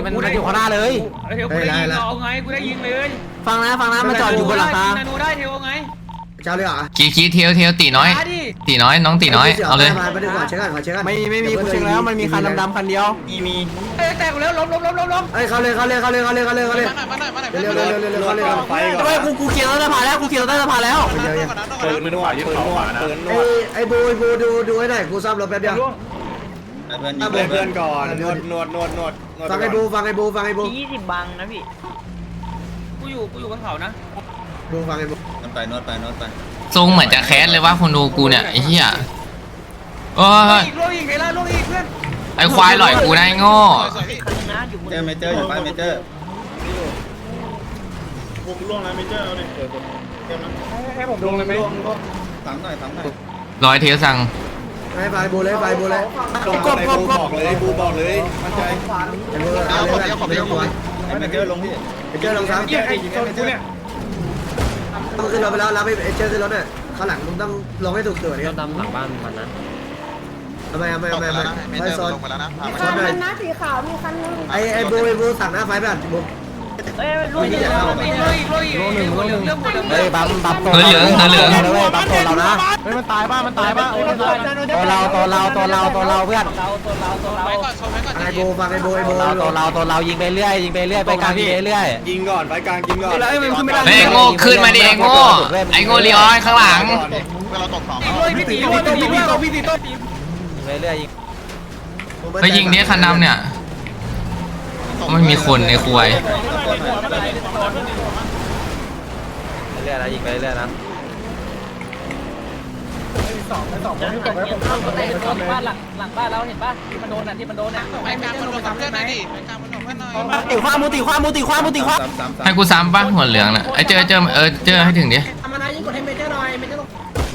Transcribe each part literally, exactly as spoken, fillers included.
มันมันอยู่ข้างหน้าเลยเทวกูได้ยิงเอาไงกูได้ยิงเลยฟังนะฟังนะมันจอดอยู่บนหลังคานาโนได้เทวไงเจ้าเลยเหรอกีกีเทียวเทียวตีน้อยตีน้อยน้องตีน้อยเอาเลยไปดีกว่าเช็คกันขอเช็คกันไม่ไม่มีกูเช็คแล้วมันมีคันดำๆคันเดียวมีมีเอ้แตกแล้วล้มล้มล้มล้มล้มเอ้ยเขาเลยเขาเลยเขาเลยเขาเลยเขาเลยเขาเลยเร็วเร็วเร็วเร็วเขาเลยไปไปกูกูเกียร์รถสะพานแล้วกูเกียร์รถสะพานแล้วเปิดมือหน่อยเปิดขวานะไอ้ไอ้บูไอ้บูดูดูให้หน่อยกูซ่อมรถแป๊บเดียวเพื่อนเพื่อนก่อนนวดนวดนวดนวดฟังไอ้บูฟังไอ้บูฟังไอ้บูยี่สิบบังนะพี่กูอยู่กูอยู่บนเขานะบูฟังไอ้บูนวดไปนวดไปนวดไปทรงเหมือนจะแคสเลยว่าคนดูกูเนี่ยไอ้เหี้ยโอ้ยโลอีกไอ้ล่าโลอีกเพื่อนไอ้ควายหล่อยกูได้โง่เจอเมเจอร์อยู่ป้ายเมเจอร์ผมล่วงแล้วเมเจอร์เอาดิเปิดเกมนะให้ผมลงเลยไหมสั่งหน่อยสั่งหน่อยร้อยเทียวสั่งไอ้ไฟบูเลยไฟบูเลยกบกบบอกเลยบูบอกเลยมั่นใจไอ้บูเอาเลยขอบคุณขอบคุณไอ้เมเจอร์ลงพี่เมเจอร์ลงซ้ำเจ้าไอ้เจ้ากูเนี่ยมึงขึ้นรถไปแล้วรับไอ้เจ้าขึ้นรถเนี่ยข้างหลังมึงต้องลงให้ถูกตัวนี่ดำหลังบ้านมันนะทำไมทำไมทำไมทำไมไฟซ้อนคันนึงนะสีขาวมีคันนึงไอ้ไอ้บูไอ้บูสั่งหน้าไฟไปอ่ะบูเอ้ยลุยโลอีกโลอีกโลอีกโลหนึ่งโลหนึ่งเรื่องหมดเฮ้ยปั๊มปั๊มตัวเหลืองตัวเหลืองปั๊มตัวเรานะเฮ้ยมันตายป่ะมันตายป่ะตัวเราตัวเราตัวเราตัวเราเพื่อนตัวเราตัวเราไปก่อนชมไปก่อนไอ้บูฟังไอ้บูไอ้บูตัวเราตัวเรายิงไปเรื่อยยิงไปเรื่อยไปกลางยิงไปเรื่อยยิงก่อนไปกลางยิงก่อนไอ้โง่ขึ้นมาดิไอ้โง่ไอ้โง่ลีออนข้างหลังเราตกสองพี่ตีพี่ตีพี่ตีพี่ตีต้นยิงไปเรื่อยยิงไปยิงเนี้ยคันดำเนี่ยไม่มีคนในคุยเรื่อยนะยิงไปเรื่อยนะสองสองคนที่ตกแล้วผมเข้าไปบ้านหลังหลังบ้านเราเห็นป่ะที่มันโดนน่ะที่มันโดนน่ะไปกลางมันโดนเพื่อนหน่อยดิไปกลางมันโดนเพื่อนหน่อยตีขวามูตีขวามูตีขวามูตีขวาให้กูซ้ำป่ะหัวเหลืองน่ะไอ้เจอเจอเออเจอให้ถึงดิทำอะไรยิ่งกดให้เมเจอร์หน่อยเมเจอร์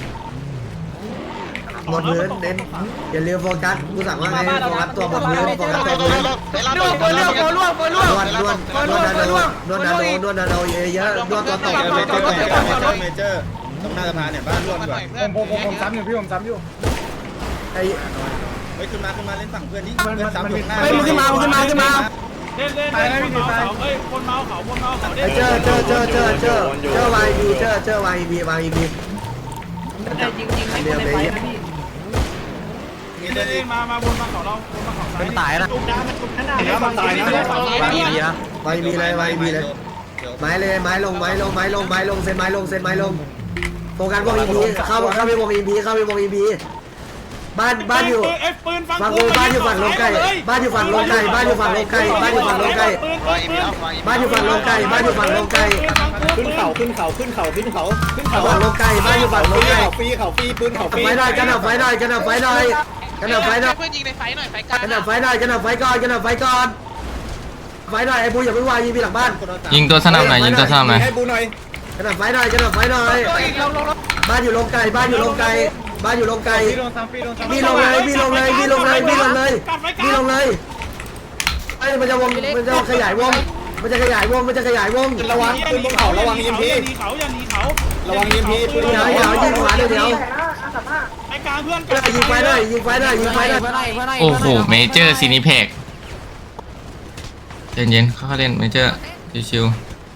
หมดพื้นเน้นอย่าลืมโฟกัสกูสั่งว่าไงโฟกัสตัวหมดพื้นโฟกัสตัวพื้นล่วงล่วงล่วงล่วงนวดนวดนวดนาโนนวดนาโนนวดนาโนเยอะเยอะนวดตัวตกเมเจอร์เมเจอร์ตรงหน้าสะพานเนี่ยบ้านร่วมก่อนผมผมผมซ้ำอยู่พี่ผมซ้ำอยู่ไอ้เฮ้ยขึ้นมาขึ้นมาเล่นฝั่งเพื่อนนี่เพื่อนซ้ำอยู่หน้าเฮ้ยมึงขึ้นมามึงขึ้นมาขึ้นมาเล่นเล่นเล่นคนเมาเขาเอ้ยคนเมาเขาคนเมาเขาเล่นเจอเจอเจอเจอเจอเจอวายบีเจอเจอวายบีวายบีจริงจริงให้คนในไฟนะพี่มีเล่นมามาบนมาเขาเราบนมาเขาซ้ายมันตายนะจุกน้ำมันจุกนั่นน่ะมันตายนะวายบีนะวายบีเลยวายบีเลยไม้เลยไม้ลงไม้ลงไม้ลงไม้ลงเซนไม้ลงเซนไม้ลงโฟกัสวงอีพีเข้าเข้าไปวงอีพีเข้าไปวงอีพีบ้านบ้านอยู่ฝั่งกูบ้านอยู่ฝั่งลงไก่บ้านอยู่ฝั่งลงไก่บ้านอยู่ฝั่งลงไก่บ้านอยู่ฝั่งลงไก่บ้านอยู่ฝั่งลงไก่บ้านอยู่ฝั่งลงไก่ขึ้นเขาขึ้นเขาขึ้นเขาขึ้นเขาขึ้นเขาฝั่งลงไก่บ้านอยู่ฝั่งลงไก่ฟรีเขาฟรีปืนเขาฟรีไฟหน่อยกันหน่อยไฟหน่อยกันหน่อยไฟหน่อยกันหน่อยไฟหน่อยเพื่อนยิงในไฟหน่อยไฟกลางกันหน่อยไฟหน่อยกันหน่อยไฟก่อนกันหน่อยไฟก่อนไฟหน่อยไอ้บูอย่าเพิ่งวางยิงไปหลังบ้านยิงตัวสนับหน่อยยิงตัวสนับหน่อยให้บูหน่อยกันหน่อยไฟหน่อยกันหน่อยไฟหน่อยบ้านอยู่ลงไก่บ้านอยู่ลงไก่บ้านอยู่ลงไก่มีลงเลยมีลงเลยมีลงเลยมีลงเลยมีลงเลยไอ้มันจะวงมันจะขยายวงมันจะขยายวงมันจะขยายวงระวังปืนบนเขาระวังยิงพีเขาอย่าหนีเขาระวังยิงพีปืนเดี๋ยวเดี๋ยวยิงขวาเดี๋ยวเดี๋ยวไอ้กลางเพื่อนยิงไฟได้ยิงไฟได้ยิงไฟได้โอ้โหเมเจอร์ซีนิเพกเย็นเย็นเขาเล่นเมเจอร์ชิว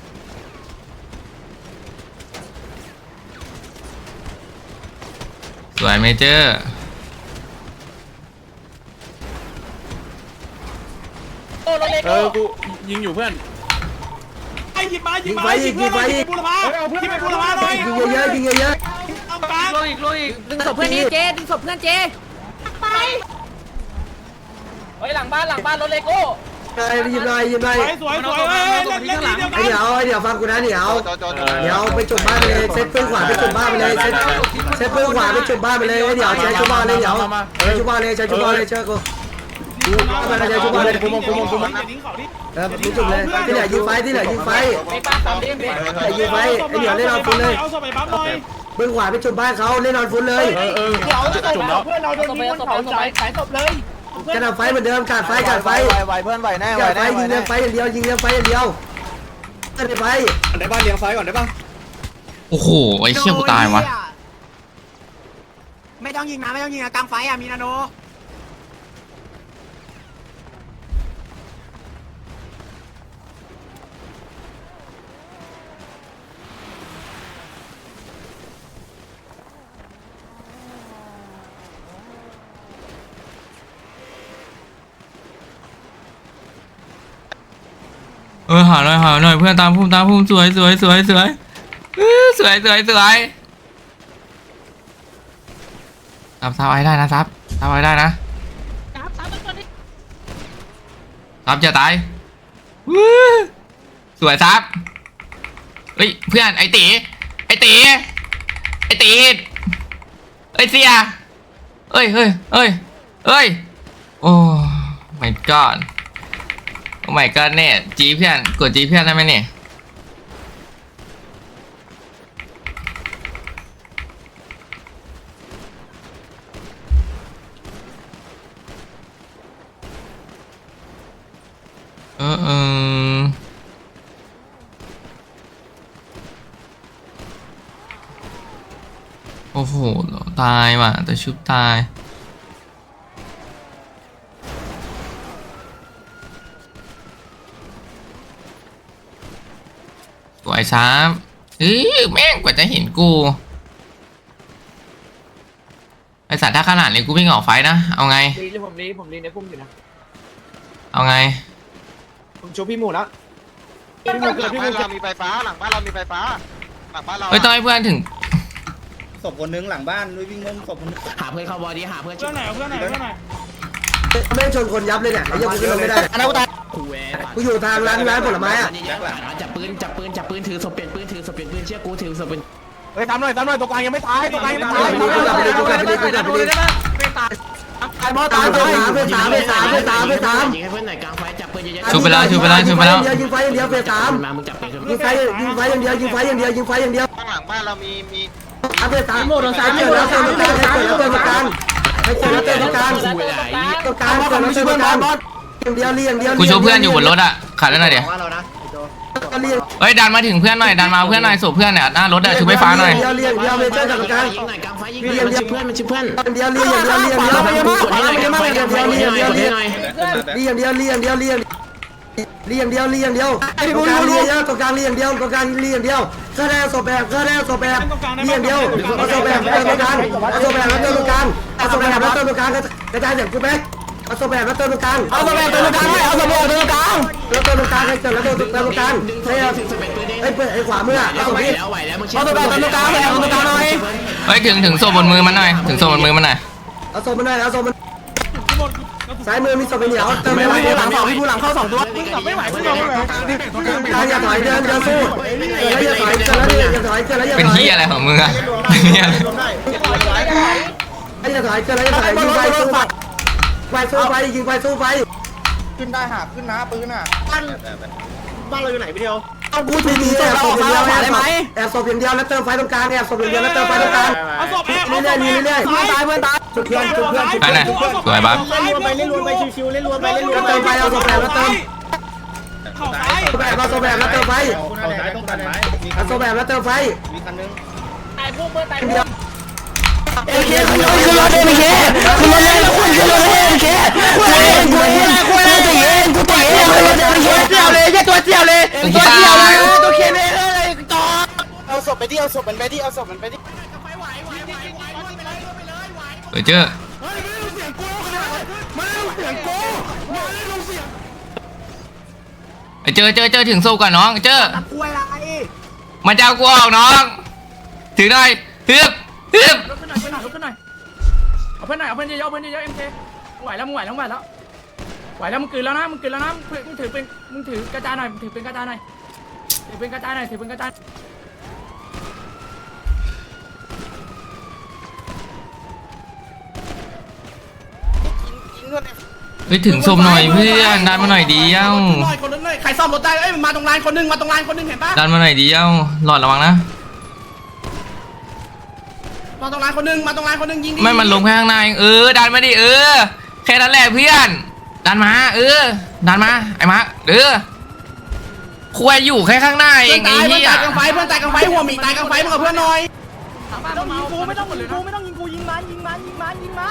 สวยเมเจอร์เออกูยิงอยู่เพื่อนไอ้ยิงมายิงมายิงไฟยิงบุรพายิงไปบุรพาหน่อยยิงเยอะยิงเยอะเอากลางโลอีกโลอีกดึงศพเพื่อนนี่เจดึงศพเพื่อนเจไปเฮ้ยหลังบ้านหลังบ้านรถเลโก้ไอ้ยิงหน่อยยิงหน่อยสวยสวยเฮ้ยเล่นเล่นเดียวกันเดี๋ยวเดี๋ยวฟังกูนะเดี๋ยวเดี๋ยวไปจุดบ้านไปเลยเซตปืนขวาไปจุดบ้านไปเลยเซตเซตปืนขวาไปจุดบ้านไปเลยเดี๋ยวใช้จุดบ้านเลยเดี๋ยวใช้จุดบ้านเลยใช้จุดบ้านเลยเชื่อกูมาใช้จุดบ้านเลยกูมองกูมองกูมองเออมึงจุดเลยที่เหลือยิงไฟที่เหลือยิงไฟแต่ยิงไฟไอ้เดี๋ยวเล่นนอนฟุตเลยปืนขวาไปจุดบ้านเขาเล่นนอนฟุตเลยเออเดี๋ยวจุดแล้วเพื่อนเราโดนยิงบนเขาจ่ายขายศพเลยกระดับไฟเหมือนเดิมกาดไฟกาดไฟไหวเพื่อนไหวแน่ไหวแน่ยิงเลี้ยงไฟอย่างเดียวยิงเลี้ยงไฟอย่างเดียวกระดับไฟได้บ้านเลี้ยงไฟก่อนได้ป่ะโอ้โหไอ้เชี่ยกูตายวะไม่ต้องยิงนะไม่ต้องยิงนะกลางไฟอ่ะมีนาโนเออหาหน่อยหาหน่อยเพื่อนตามพุ่มตามพุ่มสวยสวยสวยสวยอื้อสวยสวยสวยซับซับไว้ได้นะซับซับไว้ได้นะซับจะตายอื้อสวยซับเฮ้ยเพื่อนไอตีไอตีไอตีเอ้ยเสียเอ้ยเฮ้ยเอ้ยเอ้ยโอ้ my god โอ้ my god เนี่ยจีเพื่อนกดจีเพื่อนได้ไหมเนี่ยเออเออโอ้โหตายว่ะแต่ชุบตายสวยซ้ำเฮ้ยแม่งกว่าจะเห็นกูไอสัตว์ถ้าขนาดนี้กูวิ่งออกไฟนะเอาไงรีผมรีผมรีในพุ่มอยู่นะเอาไงผมชูพี่หมูแล้วหลังบ้านเรามีไฟฟ้าหลังบ้านเรามีไฟฟ้าหลังบ้านเราเฮ้ยต้องให้เพื่อนถึงศพคนนึงหลังบ้านด้วยวิ่งงมศพคนนึงหาเพื่อนเข้าบอดี้หาเพื่อนเพื่อนไหนเพื่อนไหนเพื่อนไหนแม่งชนคนยับเลยเนี่ยไอ้ยังกูขึ้นรถไม่ได้อันนั้นกูตายคูเวกูอยู่ทางร้านร้านผลไม้อะจับปืนจับปืนจับปืนถือศพเปลี่ยนปืนถือศพเปลี่ยนปืนเชื่อกูถือศพเป็นเฮ้ยทำหน่อยทำหน่อยตัวกลางยังไม่ตายตัวกลางยังไม่ตายไอ้บอสตายตัวสามเฟสสามเฟสสามเฟสสามเฟสสามยิงให้เพื่อนหน่อยกลางไฟจับปืนเยอะๆชูไปแล้วชูไปแล้วชูไปแล้วยิงไฟอย่างเดียวเฟสสามมามึงจับปืนยิงไฟยิงไฟอย่างเดียวยิงไฟอย่างเดียวยิงไฟอย่างเดียวข้างหลังบ้านเรามีมีเฟสสามโดนสามเกิดแล้วเกิดแล้วเกิดแล้วเกิดแล้วกลางให้เกิดแล้วเกิดแล้วกลางคูเวไหลตรงกลางเกิดแล้วเกิดแล้วกลางอย่างเดียวเรียงเดียวกูชูเพื่อนอยู่บนรถอ่ะขัดแล้วหน่อยเดี๋ยวก็เรียงเฮ้ยดันมาถึงเพื่อนหน่อยดันมาเพื่อนหน่อยสูบเพื่อนเนี่ยหน้ารถอ่ะชูไฟฟ้าหน่อยเดียวเรียงเดียวเมเจอร์กับกลางยิงหน่อยกลางไฟยิงหน่อยมันชื่อเพื่อนมันชื่อเพื่อนเดียวเรียงเดียวเรียงเดียวกดให้หน่อยกลางไฟกลางไฟกดให้หน่อยกดให้หน่อยเรียงเดียวเรียงเดียวเรียงเรียงเดียวเรียงเดียวตรงกลางเรียงเดียวตรงกลางเรียงเดียวตรงกลางเรียงเดียวก็ได้ศพแบบก็ได้ศพแบบเรียงเดียวเอาศพแบบเติมตรงกลางเอาศพแบบแล้วเติมตรงกลางเอาศพแบบแล้วเติมตรงกลางกระจายเสียงกูแบ๊กเอาศพแบบแล้วเติมตรงกลางเอาศพแบบเติมตรงกลางเอาศพแบบเติมตรงกลางแล้วเติมตรงกลางให้เกิดแล้วเติมตรงกลางใช่ไหมไอ้เปิดไอ้ขวามือเอาศพไหวนี้แล้วไหวแล้วมึงเชื่เอาศพแบบเติมตรงกลางเอาศพตรงกลางหน่อยเฮ้ยถึงถึงโซ่บนมือมันหน่อยถึงโซ่บนมือมันหน่อยเอาศพมันหน่อยเอาศพมันซ้ายมือมีศพเป็นเหนียวเติมไม่ไหวหลังสองพี่ผู้หลังเข้าสองตัวไม่ไหวไม่ไหวอย่าถอยเดินเดินสู้อย่าถอยเกินแล้วอย่าถอยเกินแล้วอย่าถอยเป็นที่อะไรของมึงอะเนี่ยอย่าถอยเกินแล้วอย่าถอยยิงไปสู้ไปไฟสู้ไฟยิงไฟสู้ไฟขึ้นได้หาขึ้นนะปืนอ่ะบ้านบ้านเราอยู่ไหนพี่เดียวเอากูถูกยิงแอบศพอย่างเดียวแอบศพแอบศพอย่างเดียวแล้วเติมไฟตรงกลางแอบศพอย่างเดียวแล้วเติมไฟตรงกลางเอาศพแอบเอาเรื่ศอยพๆแอบเรื่อยๆตายเพื่อนตายจุดเพื่อนจุดเพื่อนจุดไปเพื่อนไหนสวยบัฟเล่นรวมไปเล่นรวมไปชิวๆเล่นรวมไปเล่นรวมไปเติมไฟเอาศพแบบแล้วเติมเข่าซ้ายศพแบบเอาศพแบบแล้วเติมไฟคุณอะไรต้องการไหมมีเอาศพแบบแล้วเติมไฟมีคันนึงตายพุ่มเพื่อนตายพุ่มเอ็มเคขึ้นรถขึ้นรถเอ็มเคขึ้นรถเลยคุณขึ้นรถเอ็มเคคุณเองคุณเองคุณเองตัวเองกูตัวเองขึ้นรถเอ็มเคเจียวเลยแค่ตัวเจียวเลยตัวเจียวเลยตัวเคเลยเลยต่อเอาศพไปที่เอาศพมันไปที่เอาศพมันไปที่เฮ้ยเจ้อไอ้เจอเจอเจอถึงโซ่ก่อนน้องเจอมันจะเอากูออกน้องถือหน่อยฮึบฮึบลุกขึ้นหน่อยลุกขึ้นหน่อยเอาเพื่อนหน่อยเอาเพื่อนเยอะเอาเพื่อนเยอะเอ็มเคไหวแล้วมึงไหวแล้วมึงไหวแล้วไหวแล้วมึงกลืนแล้วนะมึงกลืนแล้วนะมึงถือเป็นมึงถือกระจายหน่อยมึงถือเป็นกระจายหน่อยถือเป็นกระจายหน่อยถือเป็นกระจายเฮ้ยถึงศพหน่อยเพื่อนดันมาหน่อยดีเอ้าหน่อยคนนึงหน่อยใครซ่อมรถได้เอ้ยมาตรงลานคนนึงมาตรงลานคนนึงเห็นปะดันมาหน่อยดีเอ้าหลอดระวังนะมาตรงลานคนนึงมาตรงลานคนนึงยิงไม่มันลงแค่ข้างในเออดันมาดิเออแค่นั้นแหละเพื่อนดันมาเออดันมาไอ้มาร์คเออควายอยู่แค่ข้างหน้าเอเพื่อนงไอ้ตายเพื่อนเหี้ยตายกลางไฟเพื่อนตายกลางไฟหัวหมีตายกลางไฟมึงกับเพื่อนหน่อยไม่ต้องยิงกูไม่ต้องยิงกูไม่ต้องยิงกูยิงมันยิงมันยิงมันยิงมัน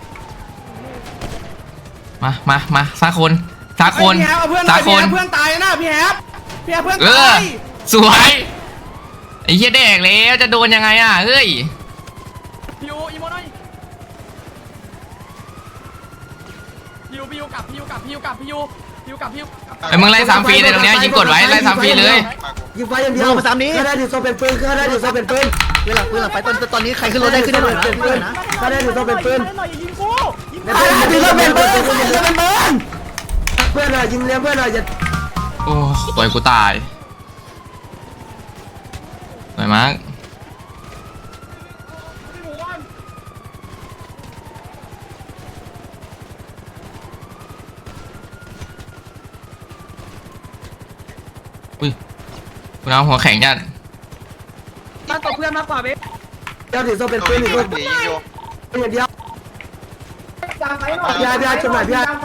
มามามาสักคนสักคนพี่แฮปเอาเพื่อนหน่สัอก ยคพี่นแฮปเพื่อนตายนะพี่แฮปพี่แฮปเพื่อนเอตาอย สวยไอ้เหี้ยแดกแล้วจะโดนยังไงอ่ะเฮ้ยพิวอีโมหน่อยพิวพิวกลับพิวกลับพิวกลับพิวพิพิวกลับพิวไอ้มึงไล่สามฟรีเลยตรงเนี้ยยิงกดไว้ไล่สามฟรีเลยยิงไฟอย่างเดียวมาสามนี้ข้าได้ถือโซเป็นปืนข้าได้ถือโซเป็นปืนเวลาเวลาไฟตอนตอนนี้ใครขึ้นรถได้ขึ้นได้หน่อยนะเป็นปืนข้าได้ถือโซเป็นปืนข้าได้ถือโซเป็นปืนข้าได้ถือโซเป็นปืนเพื่อนหน่อยยิงเลี้ยงเพื่อนหน่อยอย่าโอ้ปล่อยกูตายสวยมากอุ้ยกูเอาหัวแข็งจัดมาตบเพื่อนมากกว่าเบ๊เดี๋ยวถือโซเป็นปืนอีกคนอย่างเดียวพี่อาพี่อาชมหน่อยพี่อาไป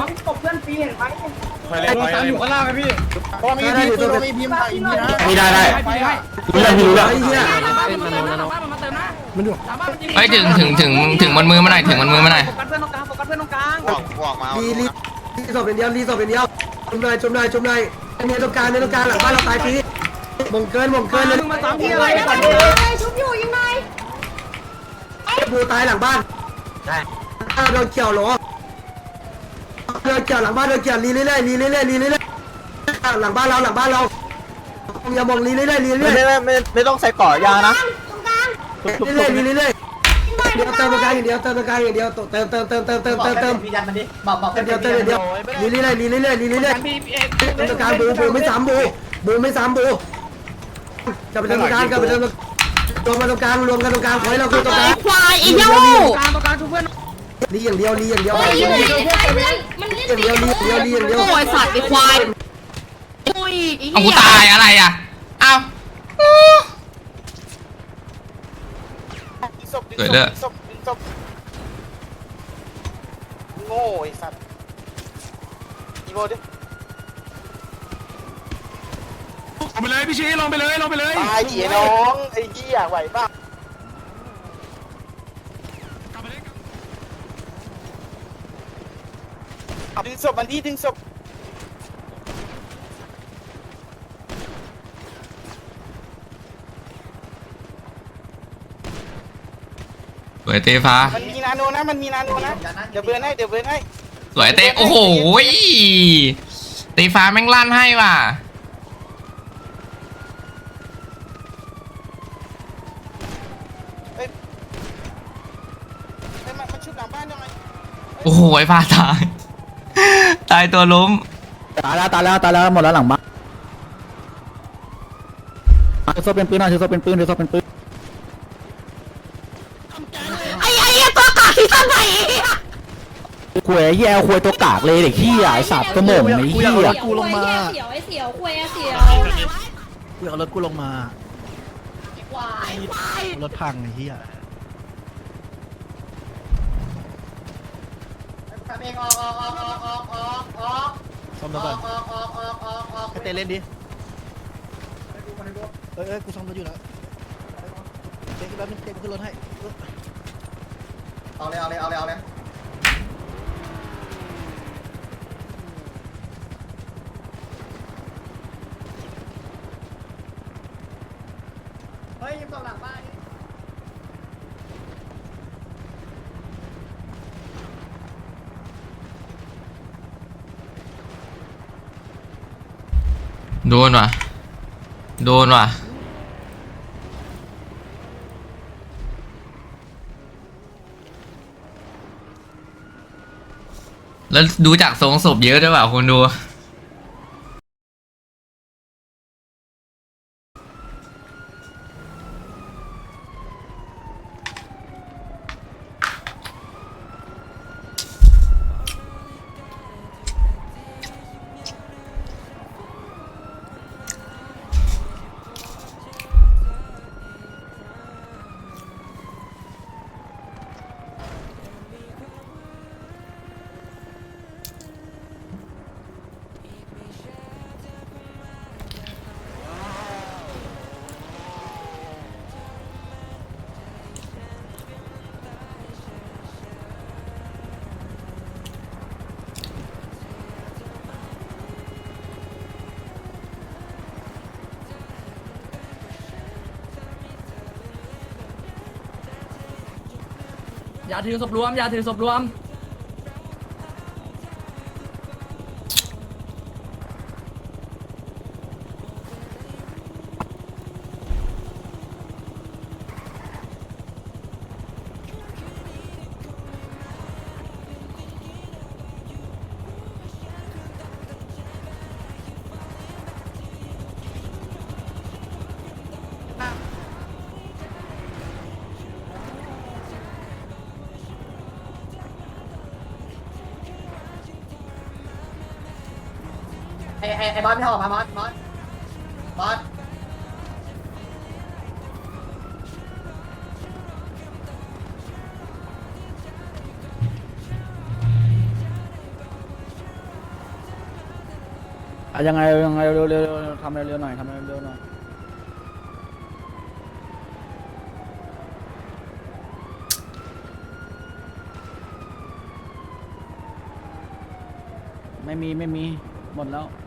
เลยไปเลยอยู่ข้างล่างไหมพี่เพราะมีพี่ปืนมีพิมพ์ไทยมีนะมีได้ได้ให้พี่ให้รู้แล้วรู้แล้วไอ้เหี้ยมันมาเติมนะบ้านมันมาเติมนะมันอยู่บ้านมันยิงเฮ้ยถึงถึงถึงถึงบนมือมาหน่อยถึงบนมือมาหน่อยโฟกัสเพื่อนตรงกลางโฟกัสเพื่อนตรงกลางรีรีรีโซเป็นเดียวรีโซเป็นเดียวชมหน่อยชมหน่อยชมหน่อยเมียตรงกลางเมียตรงกลางหลังบ้านเราตายฟรีมงเกินมงเกินเลยมึงมาซ้ำที่อะไรก่อนดิชุบอยู่ยังไงบูตายหลังบ้านโดนเกี่ยวหรอโดนเกี่ยวหลังบ้านโดนเกี่ยวรีเรื่อยๆรีเรื่อยๆรีเรื่อยๆหลังบ้านเราหลังบ้านเราอย่ามองรีเรื่อยๆรีเรื่ไม่อยไม่ไม่ไม่ต้องใส่ก่อยานะตรงกลางๆเรื่อยๆรีเรื่อยๆเดี๋ยวเติมตรงกลางอย่างเดียวเติมตรงกลางอย่างเดียวเติมเติมเติมเติมเติมเติมเติมพี่ยันมันดิบอกบอกเติมเดียวเติมเดียวรีเรื่อยๆรีเรื่อยๆรีเรื่อยๆเติมตรงกลางบูบูไม่ซ้ำบูบูไม่ซ้ำบูกลับไปเติมตรงกลางกลับไปเติมตรงรวมกันตรงกลางรวมกันตรงกลางขอให้เราคือตรงกลางควายไอ้โย่กลางตรงกลางทุกเพื่อนลีอย่างเดียวลีอย่างเดียวเฮ้ยยิงไหนไอ้เพื่อนมันเล่นอย่างเดียวลีอย่างเดียวลีอย่างเดียวโอ้ยสัตว์ไอ้ควายโอ้ยไอ้เอาเหี้กูยตายอะไรอ่ะเอาสวยเลยโง่ไอ้สัตว์อีโมดิลงไปเลยพี่ชี้ลงไปเลยลงไปเลยตายดิไอ้น้องไอ้เหี้ยไหวป่ะดึงศพมันที่ดึงศพสวยเตฟ้ามันมีนาโนนะมันมีนาโนนะเดี๋ยวเบิร์นให้เดี๋ยวเบิร์นให้สวยเตโอ้โหเตฟ้าแม่งลั่นให้ว่ะเฮ้ยมันมันชุบหลังบ้านยังไงโอ้โหไอ้ฟ้าตายตายตัวล้มตายแล้วตายแล้วตายแล้วหมดแล้วหลังบ้านถือโซ่เป็นปืนนะถือโซ่เป็นปืนถือโซ่เป็นปืนไอ้ไอ้เหี้ยตัวกากที่ตั้งไหนควยแย่ควยตัวกากเลยเด็กขี้ไอ้สัตว์กระหม่อมไอ้เหี้ยกูลงมาเสียวไอ้เสียวคุยไอ้เสียวกูเอารถกูลงมาควายควายรถพังไอ้เหี้ยเองออกออกออกออกออกออกออกซ่อมรถก่อนออกออกออกออกออกให้เต้เล่นดิเอ้ยเอ้ยกูซ่อมรถอยู่แล้วเต้ขึ้นรถเต้ขึ้นรถให้เอาเลยเอาเลยเอาเลยเอาเลย เฮ้ยยิงตรงหลังบ้านนี่โดนว่ะโดนว่ะแล้วดูจากทรงศพเยอะด้วยว่ะคุณดูอย่าถือศพรวมอย่าถือศพรวมไอ้ไอ้ไอ้บอสไม่ออกมาบอสบอสบอสอ่ะยังไงยังไงเร็วเร็วทำเร็วๆหน่อยทำเร็วๆหน่อยไม่มีไม่มีหมดแล้ว